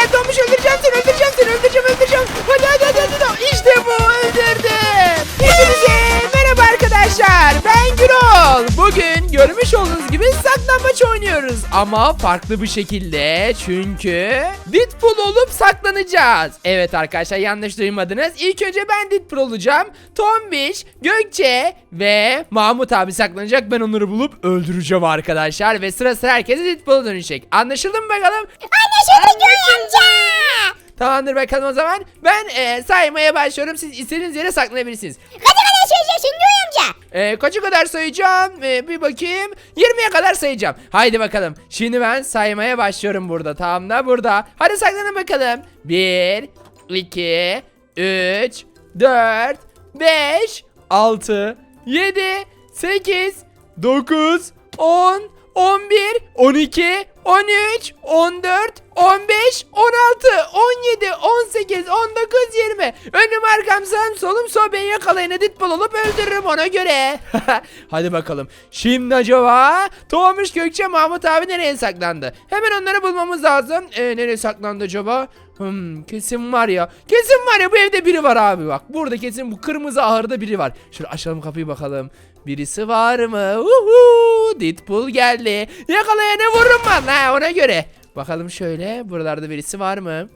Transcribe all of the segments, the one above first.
Tomuş öldüreceğim seni, öldüreceğim. Hadi. İşte bu, öldürdüm. Hepinize merhaba arkadaşlar. Ben Gürol. Bugün görmüş olduğunuz gibi saklambaç oynuyoruz. Ama farklı bir şekilde. Çünkü Deadpool olup saklanacağız. Evet arkadaşlar, yanlış duymadınız. İlk önce ben Deadpool olacağım. Tombiş, Gökçe ve Mahmut abi saklanacak. Ben onları bulup öldüreceğim arkadaşlar. Ve sıra herkese Deadpool'a dönüşecek. Anlaşıldı mı bakalım? Anlaşıldı Göğe amca. Tamamdır bakalım o zaman. Ben saymaya başlıyorum. Siz istediğiniz yere saklanabilirsiniz. Kaça kadar söyleyeceksin Göğe amca? Kaça kadar sayacağım? Bir bakayım. 20'ye kadar sayacağım. Haydi bakalım. Şimdi ben saymaya başlıyorum burada. Tamam da burada. Hadi saklanın bakalım. 1, 2, 3, 4, 5, 6, 7, 8, 9, 10, 11, 12, 13, 14, 15, 16, 17, 18, 19, 20. Önüm arkam sağım solum sol, beni yakalayın. Deadpool olup öldürürüm ona göre. Hadi bakalım. Şimdi acaba Tomuş, Gökçe, Mahmut abi nereye saklandı? Hemen onları bulmamız lazım. Nereye saklandı acaba? Kesin var ya. Kesin var ya, bu evde biri var abi bak. Burada kesin bu kırmızı ahırda biri var. Şöyle açalım kapıyı bakalım. Birisi var mı? Deadpool geldi. Yakalayana vururum ben ona göre. Bakalım şöyle. Buralarda birisi var mı?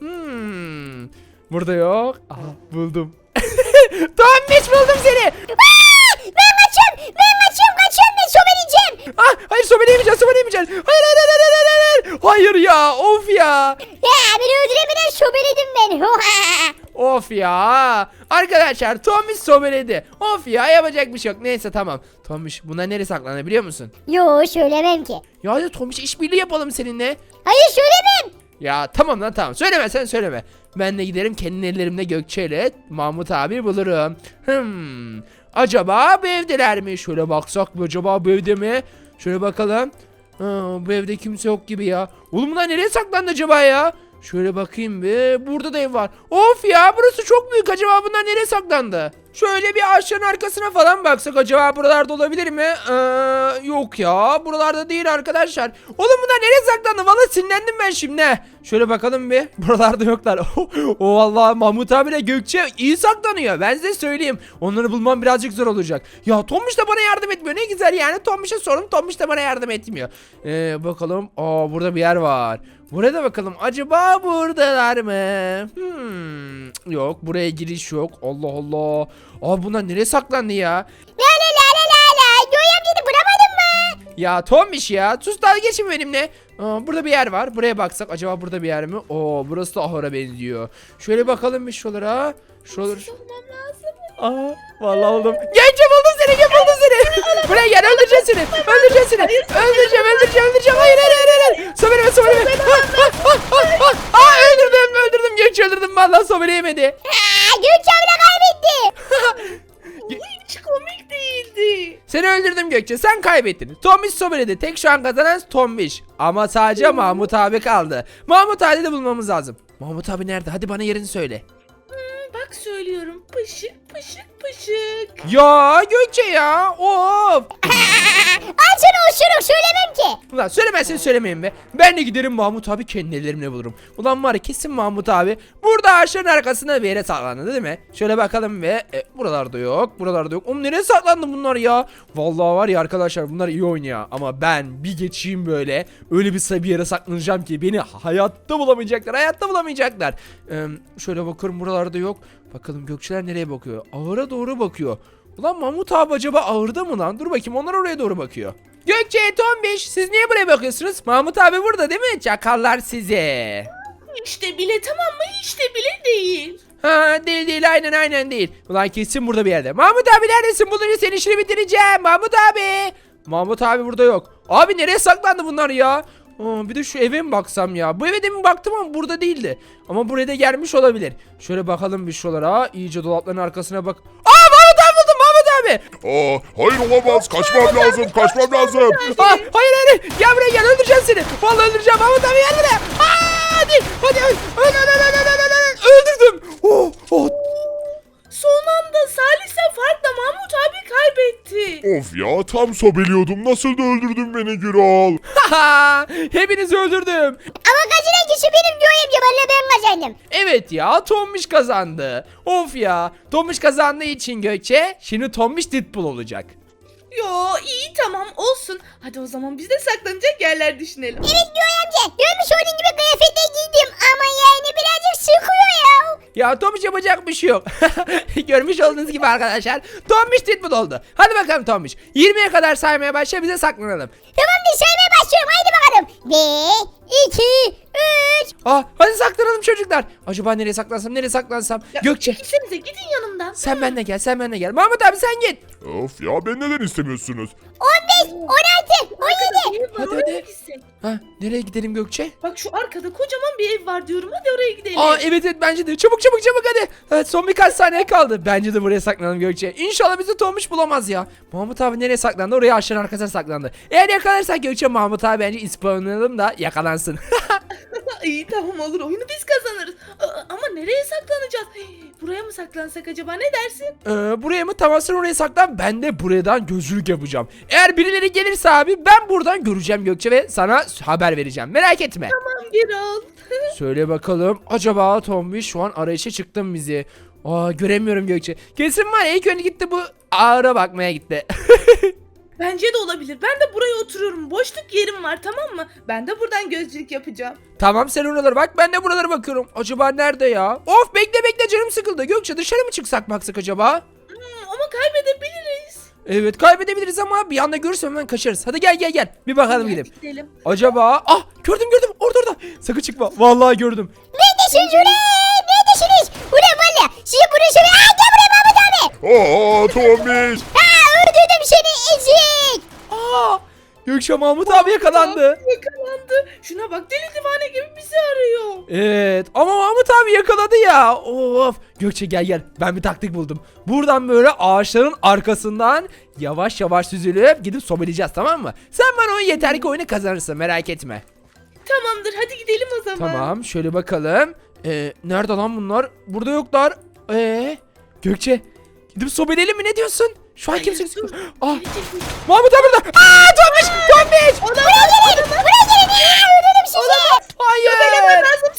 Burada yok. Aha, buldum. Tamam, hiç buldum seni. Ben kaçıyorum ben sobeleyeceğim. Hayır, sobeleyemeyeceğiz. Hayır. Hayır ya, of ya. Ya beni öldüremeden sobeledim ben. Of ya. Arkadaşlar Tomiş sobeledi. Of ya, yapacak bir şey yok. Neyse tamam. Tomiş, bunlar nereye saklanıyor biliyor musun? Yo söylemem ki. Ya hadi Tomiş, işbirliği yapalım seninle. Hayır söylemem. Ya tamam lan, tamam. Söyleme, söyleme. Ben de giderim kendi ellerimle Gökçe ile Mahmut abi bulurum. Acaba bu evdeler mi? Şöyle baksak mı, acaba bu evde mi? Şöyle bakalım. Bu evde kimse yok gibi ya. Oğlum bunlar nereye saklandı acaba ya? Şöyle bakayım bir. Burada da ev var. Of ya, burası çok büyük. Acaba bunlar nereye saklandı? Şöyle bir ağaçların arkasına falan baksak, acaba buralarda olabilir mi? Yok ya, buralarda değil arkadaşlar. Oğlum bunlar nereye saklandı? Vallahi sinirlendim ben şimdi. Şöyle bakalım bir. Buralarda yoklar. O vallahi Mahmut abiyle Gökçe iyi saklanıyor. Ben size söyleyeyim. Onları bulmam birazcık zor olacak. Ya Tomuş da bana yardım etmiyor. Ne güzel yani. Tomuş'a sorun. Tomuş da bana yardım etmiyor. Bakalım. Burada bir yer var. Buraya da bakalım. Acaba buradalar mı? Yok. Buraya giriş yok. Allah Allah. Bunlar nereye saklandı ya? La. Göğe amcayı bulamadın mı? Ya Tombiş ya. Sus, dalga geçin benimle. Burada bir yer var. Buraya baksak acaba burada bir yer mi? Burası da ahıra benziyor. Şöyle bakalım bir şuralara. Şuralara. Bulmam lazım. Vallahi oldum. Gence buldum seni. Buraya gel, öldüreceğim seni. Öldüreceğim. Hayır. Sobeleme. Öldürdüm. Gence öldürdüm. Vallahi sobeleyemedi. Gökçe abla kaybetti. Hiç komik değildi. Seni öldürdüm Gökçe. Sen kaybettin. Tombiş sobeledi. Tek şu an kazanan Tombiş. Ama sadece Mahmut abi kaldı. Mahmut abi de bulmamız lazım. Mahmut abi nerede? Hadi bana yerini söyle. Bak söylüyorum, pışık. Ya Gökçe ya. Of. Al sana osuruk söylemem ki. Ulan söylemezsen söylemeyin be. Ben de giderim Mahmut abi kendi ellerimle bulurum. Ulan var ya, kesin Mahmut abi burada ağaçların arkasında bir yere saklandı değil mi? Şöyle bakalım ve buralarda yok. Oğlum nereye saklandı bunlar ya? Vallahi var ya arkadaşlar, bunlar iyi oynuyor. Ama ben bir geçeyim böyle. Öyle bir yere saklanacağım ki beni hayatta bulamayacaklar. Şöyle bakıyorum, buralarda yok. Bakalım Gökçeler nereye bakıyor? Ahıra doğru bakıyor. Ulan Mahmut abi acaba ahırda mı lan? Dur bakayım, onlar oraya doğru bakıyor. Gökçe, Tombiş, siz niye buraya bakıyorsunuz? Mahmut abi burada değil mi? Çakallar size. İşte bile, tamam mı? İşte bile değil. Değil, aynen değil. Ulan kesin burada bir yerde. Mahmut abi neredesin? Bulunca senin işini bitireceğim. Mahmut abi burada yok. Abi nereye saklandı bunlar ya? Bir de şu eve mi baksam ya? Bu eve de mi baktım ama burada değildi. Ama buraya da gelmiş olabilir. Şöyle bakalım bir şuralara. İyice dolapların arkasına bak. Mahmut abi buldum, Mahmut abi. Hayır olamaz. Kaçmam lazım. Hayır. Gel buraya, gel, öldüreceğim seni. Vallahi öldüreceğim Mahmut abi, gel buraya. Hadi öl. Öldürdüm. Son anda salise farkla Mahmut abi kaybetti. Of ya, tam sobeliyordum. Nasıl da öldürdün beni Gürol. Hepinizi öldürdüm. Ama kaçıran kişi benim Göğe amca. Valla ben kazandım. Evet ya, Tombiş kazandı. Of ya, Tombiş kazandığı için Gökçe şimdi Tombiş Deadpool olacak. Yo iyi tamam olsun. Hadi o zaman biz de saklanacak yerler düşünelim. Evet Göğe amca. Görmüş olduğun gibi kıyafetler giydim. Ama yani birazcık sıkıyor ya. Ya Tombiş yapacak bir şey yok. Görmüş olduğunuz gibi arkadaşlar, Tombiş Deadpool oldu. Hadi bakalım Tombiş, 20'ye kadar saymaya başla, bize saklanalım. Tamamdır saymaya başlıyorum. Haydi bakalım. 1, 2, 3. Hadi saklanalım çocuklar. Acaba nereye saklansam? Ya, Gökçe, gitsenize gidin yanımdan. sen benimle gel. Mahmut abi sen git. Of ya, ben neden istemiyorsunuz? 15, 16, 17. Ev var, Hadi, oraya hadi. gitsek. Nereye gidelim Gökçe? Bak şu arkada kocaman bir ev var diyorum. Hadi oraya gidelim. Evet bence de. Çabuk hadi. Evet, son birkaç saniye kaldı. Bence de buraya saklanalım Gökçe. İnşallah bizi Tombiş bulamaz ya. Mahmut abi nereye saklandı? Oraya ağaçların arkasına saklandı. Eğer yakalarsak Gökçe, Mahmut abi bence ispawnlayalım da yakalansın. İyi tamam olur. Oyunu biz kazanırız. Ama nereye saklanacağız? Buraya mı saklansak acaba, ne dersin? Buraya mı? Tamam, sen oraya saklan. Ben de buradan gözlük yapacağım. Eğer birileri gelirse abi, ben buradan göreceğim Gökçe ve sana haber vereceğim. Merak etme. Tamam Birol. Söyle bakalım. Acaba Tombiş şu an arayışa çıktım bizi. Göremiyorum Gökçe. Kesin var ya, ilk önce gitti bu ağıra bakmaya gitti. Bence de olabilir. Ben de buraya oturuyorum. Boşluk yerim var, tamam mı? Ben de buradan gözcülük yapacağım. Tamam, sen oralara bak, ben de buralara bakıyorum. Acaba nerede ya? Of, bekle canım sıkıldı. Gökçe, dışarı mı çıksak baksak acaba? Ama kaybedebiliriz. Evet, kaybedebiliriz ama bir anda görürsem hemen kaçarız. Hadi gel. Bir bakalım Hadi gidelim. gidelim. Acaba gördüm orada. Sakın çıkma. Vallahi gördüm. Neredesiniz ulan? Neredesiniz? Ulan valla. Sizi buraya şöyle. Gel buraya Mahmut abi. Tombiş. Öldürdüm seni ezik. Gökçe, Mahmut abi yakalandı. Yakalandı. Şuna bak, deli divane gibi bizi arıyor. Evet, ama Mahmut abi yakaladı ya. Of. Gökçe gel. Ben bir taktik buldum. Buradan böyle ağaçların arkasından yavaş süzülüp gidip sobeleyeceğiz, tamam mı? Sen bana oyun yeter ki oyunu kazanırsın, merak etme. Tamamdır, hadi gidelim o zaman. Tamam, şöyle bakalım. Nerede lan bunlar? Burada yoklar. Gökçe, gidip sobeleyelim mi, ne diyorsun? Şu an Hayır, kimse... dur. Gelecek. Mahmut abi burada. Tombiş. Buraya gelin. Öldürdüm sizi. Hayır. Sobelemen lazım.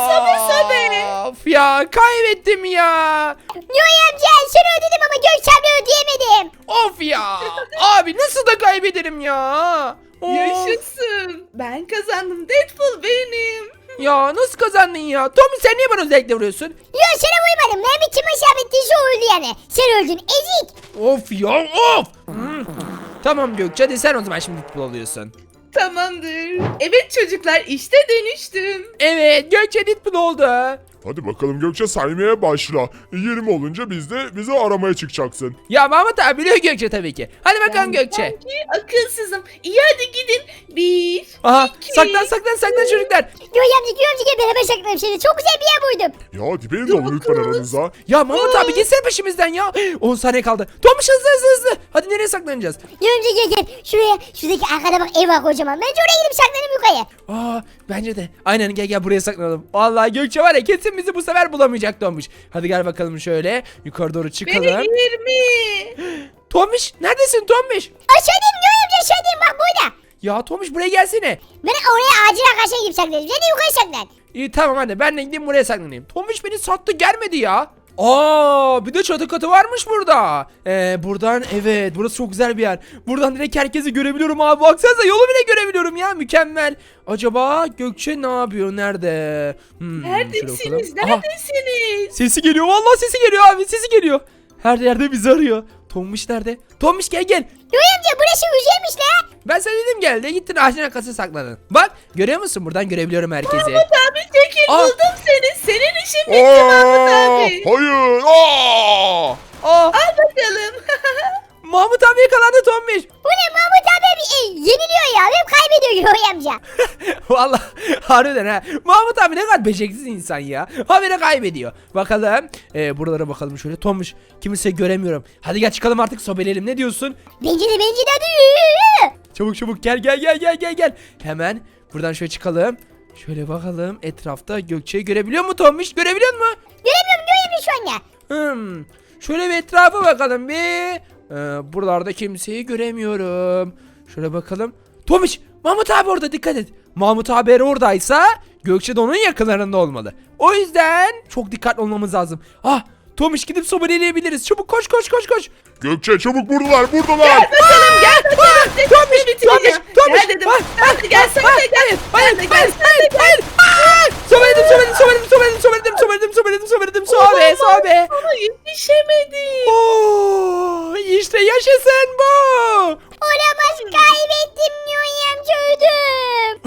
Sobe. Of ya, kaybettim ya. Göğe amca seni öldürdüm ama Gökçem'le ödeyemedim. Of ya. Abi nasıl da kaybederim ya. Of. Yaşasın. Ben kazandım. Deadpool benim. Ya nasıl kazandın ya? Tommy, sen niye bana özellikle vuruyorsun? Yok sana uymadım. Ben bir kim aşabettiyse öldü yani. Sen öldün ezik. Of ya of. Tamam Gökçe, hadi sen o zaman şimdi futbol oluyorsun. Tamamdır. Evet çocuklar, işte dönüştüm. Evet, Gökçe Deadpool oldu. Hadi bakalım Gökçe, saymaya başla. 20 olunca bizi aramaya çıkacaksın. Ya Mahmut abi biliyor Gökçe tabii ki. Hadi bakalım Gökçe. Sanki akılsızım. İyi hadi gidin. 1, Aha, 2. saklan çocuklar. Göğe amca gel beraber saklayalım seni. Çok güzel bir yer buydum. Ya hadi beni de alın lütfen aranıza. Ya Mahmut abi gitsene peşimizden ya. 10 saniye kaldı. Tombiş hızlı. Hadi nereye saklanacağız? Göğe amca gel. Şuraya. Şuradaki arkada bak ev var kocaman. Bence oraya gidip saklanayım yukarıya. Bence de. Aynen, gel buraya saklanalım. Vallahi Gökçe var ya, kesin bizi bu sefer bulamayacak Tombiş. Hadi gel bakalım şöyle. Yukarı doğru çıkalım. Beni 20. Tombiş, neredesin Tombiş? Aşağıdayım Göğe amca aşağıdayım bak burada. Ya Tombiş, buraya gelsene. Ben oraya acil arkadaşa gidip saklayayım. Sen de yukarı saklan. İyi tamam, hadi ben de gideyim buraya saklanayım. Tombiş beni sattı, gelmedi ya. Bir de çatı katı varmış burada. Buradan, evet, burası çok güzel bir yer. Buradan direkt herkesi görebiliyorum abi. Baksanıza, yolu bile görebiliyorum ya, mükemmel. Acaba Gökçe ne yapıyor, nerede? Neredesiniz? Aha, Neredesiniz? sesi geliyor, vallahi sesi geliyor abi, sesi geliyor. Her yerde bizi arıyor. Tombiş nerede? Tombiş gel. Göğe amca burası güzelmiş la. Ben sana dedim, geldi, gittin ağacın arkasına sakladın. Bak, görüyor musun, buradan görebiliyorum herkesi. Mahmut abi çekil, Aa. buldum seni. Senin işin bitti Mahmut abi. Hayır. Al bakalım. Mahmut abi yakalandı Tombiş. Bu ne Mahmut abi yeniliyor ya. Hep kaybediyor Göğe amca. Vallahi harbiden ha. Mahmut abi ne kadar beceriksiz insan ya. Habire kaybediyor. Bakalım. Buralara bakalım şöyle. Tombiş, kimse göremiyorum. Hadi gel çıkalım artık, sobeleyelim. Ne diyorsun? Bence de hadi. Çabuk gel. Hemen buradan şöyle çıkalım. Şöyle bakalım etrafta Gökçe'yi görebiliyor mu Tombiş? Görebiliyor mu? Göremiyorum Göğe amca şu anda. Şöyle bir etrafa bakalım bir. Buralarda kimseyi göremiyorum. Şöyle bakalım. Tombiş, Mahmut abi orada, dikkat et. Mahmut abi eğer oradaysa Gökçe de onun yakınlarında olmalı. O yüzden çok dikkatli olmamız lazım. Ah, Tomiş gidip sobeleyebiliriz. Çabuk koş koş koş koş. Gökçe çabuk buradalar buradalar. Bakalım gel bakalım. Tomiş, bitireceğim. Tomiş. Gel dedim. Sen de gel sen de gel. Hayır, Sen de gel. hayır. Sobeledim. Sobe. Ama yetişemedim. Oo, işte yaşasın bu. Olamaz, kaybettim Yoy amca, öldüm.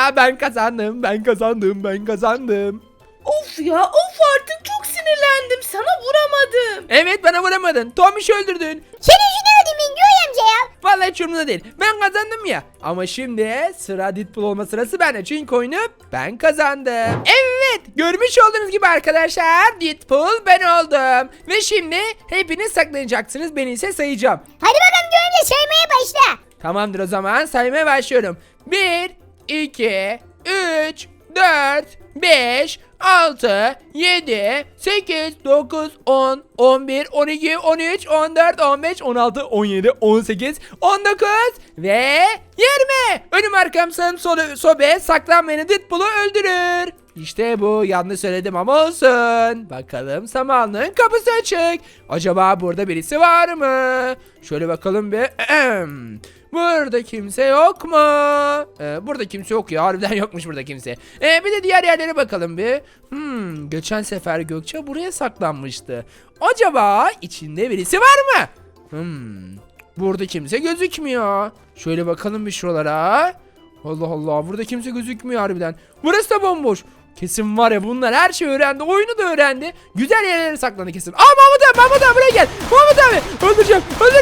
Ben kazandım. Of ya of, artık çok sinirlendim. Sana vuramadım. Evet, bana vuramadın. Tomiş'i öldürdün. Senin yüzünden öldüm ben Yoy amca ya. Vallahi hiç umurumda değil. Ben kazandım ya. Ama şimdi sıra Deadpool olma sırası bende. Çünkü oyunu ben kazandım. Evet, görmüş olduğunuz gibi arkadaşlar, Deadpool ben oldum. Ve şimdi hepiniz saklanacaksınız. Ben ise sayacağım. Hadi bakalım Yoy amca, saymaya başla. Tamamdır, o zaman saymaya başlıyorum. 1, 2, 3, 4, 5, 6, 7, 8, 9, 10, 11, 12, 13, 14, 15, 16, 17, 18, 19 ve 20. Önüm arkam sağım sobe saklanmayanı Deadpool'u öldürür. İşte bu, yanlış söyledim ama olsun. Bakalım, samanlığın kapısı açık. Acaba burada birisi var mı? Şöyle bakalım bir. Burada kimse yok mu? Burada kimse yok ya. Harbiden yokmuş burada kimse. Bir de diğer yerlere bakalım bir. Geçen sefer Gökçe buraya saklanmıştı. Acaba içinde birisi var mı? Burada kimse gözükmüyor. Şöyle bakalım bir şuralara. Allah Allah, burada kimse gözükmüyor harbiden. Burası da bomboş. Kesin var ya, bunlar her şeyi öğrendi. Oyunu da öğrendi. Güzel yerlere saklandı kesin. Mahmut abi buraya gel. Mahmut abi öldüreceğim.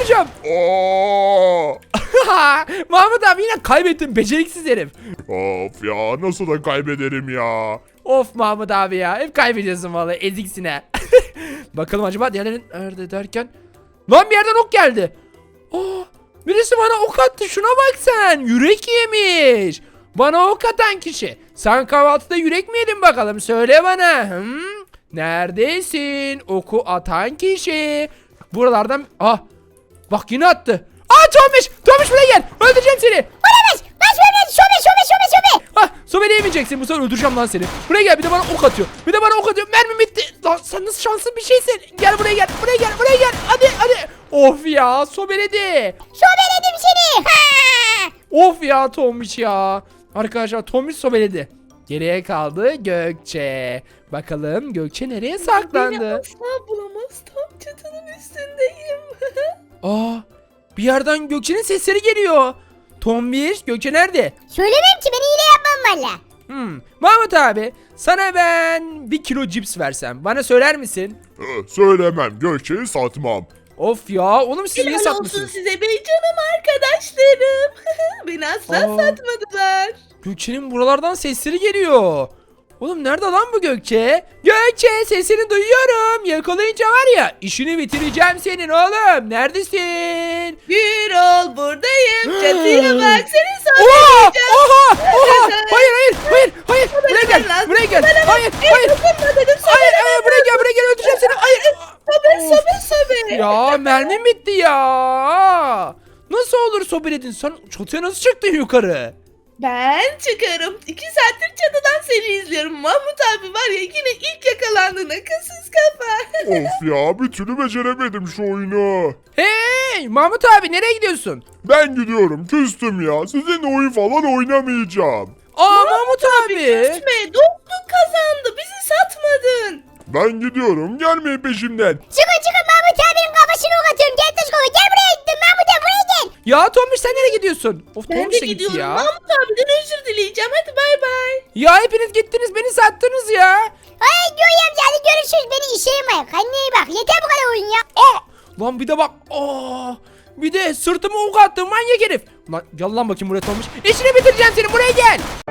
Aa! Mahmut abi yine kaybettin, beceriksiz herif. Of ya, nasıl da kaybederim ya. Of Mahmut abi ya, hep kaybediyorsun vallahi, eziksin ha. Bakalım acaba diğerlerin nerede derken. Lan bir yerden ok geldi. Birisi bana ok attı, şuna bak sen. Yürek yemiş. Bana ok atan kişi. Sen kahvaltıda yürek mi yedin bakalım, söyle bana. Neredesin oku atan kişi? Buralardan. Bak yine attı. Tomiş buraya gel. Öldüreceğim seni. Olamaz, baş ver, sobe. Sobeleyemeyeceksin, bu sefer öldüreceğim lan seni. Buraya gel, bir de bana ok atıyor. Mermi bitti. Lan sen nasıl şanslı bir şeysin. Gel buraya gel. Hadi. Of ya, sobeledi. Sobeledim seni. Ha! Of ya Tomiş ya. Arkadaşlar, Tomiş sobeledi. Geriye kaldı Gökçe. Bakalım Gökçe nereye Beni saklandı? asla bulamaz. Tam çatının üstündeyim. Bir yerden Gökçe'nin sesleri geliyor. Tombiş, Gökçe nerede? Söylemem ki, ben hile yapmam valla. Mahmut abi, sana ben 1 kilo cips versem bana söyler misin? Söylemem, Gökçe'yi satmam. Of ya, oğlum siz niye Helal olsun satmışsınız? size be canım arkadaşlarım. Beni asla satmadılar. Gökçe'nin buralardan sesleri geliyor. Oğlum nerede lan bu Gökçe? Gökçe, sesini duyuyorum. Yakalayınca var ya, işini bitireceğim senin oğlum. Neredesin? Gürol buradayım. Çatıya bak, seni Oha! satmayacağım. Oha! Hayır! Buraya gel. Hayır! Dokunma dedim sana. Hayır, buraya gel, öldüreceğim seni. Hayır. Sobe. Ya mermim bitti ya. Nasıl olur sobeledin? Sen çatıya nasıl çıktın yukarı? Ben çıkarım. 2 saattir çatıdan seni izliyorum. Mahmut abi var ya, yine ilk yakalandığın akılsız kafa. Of ya, bir türlü beceremedim şu oyunu. Hey Mahmut abi, nereye gidiyorsun? Ben gidiyorum, küstüm ya. Sizinle oyun falan oynamayacağım. Mahmut abi. Küsme, dostluk kazandı. Bizi satmadın. Ben gidiyorum, gelmeyin peşimden. Çıkın, Mahmut abinin kafasını ok atıyorum. Gel Taşkova, gel buraya gittim Mahmut abi, buraya gel. Ya Tomiş, sen nereye gidiyorsun? Of, Ben de Tomiş de gitti gidiyorum. ya. Mahmut abiden özür dileyeceğim. Hadi bay bay. Ya hepiniz gittiniz, beni sattınız ya. Ay Yoy amca, hadi görüşürüz, beni işeyim var. Kendine iyi bak, yeter bu kadar oyun ya. Lan bir de bak. Bir de sırtıma ok attı manyak herif. Lan gel lan bakayım buraya Tomiş. İşini bitireceğim seni, buraya gel.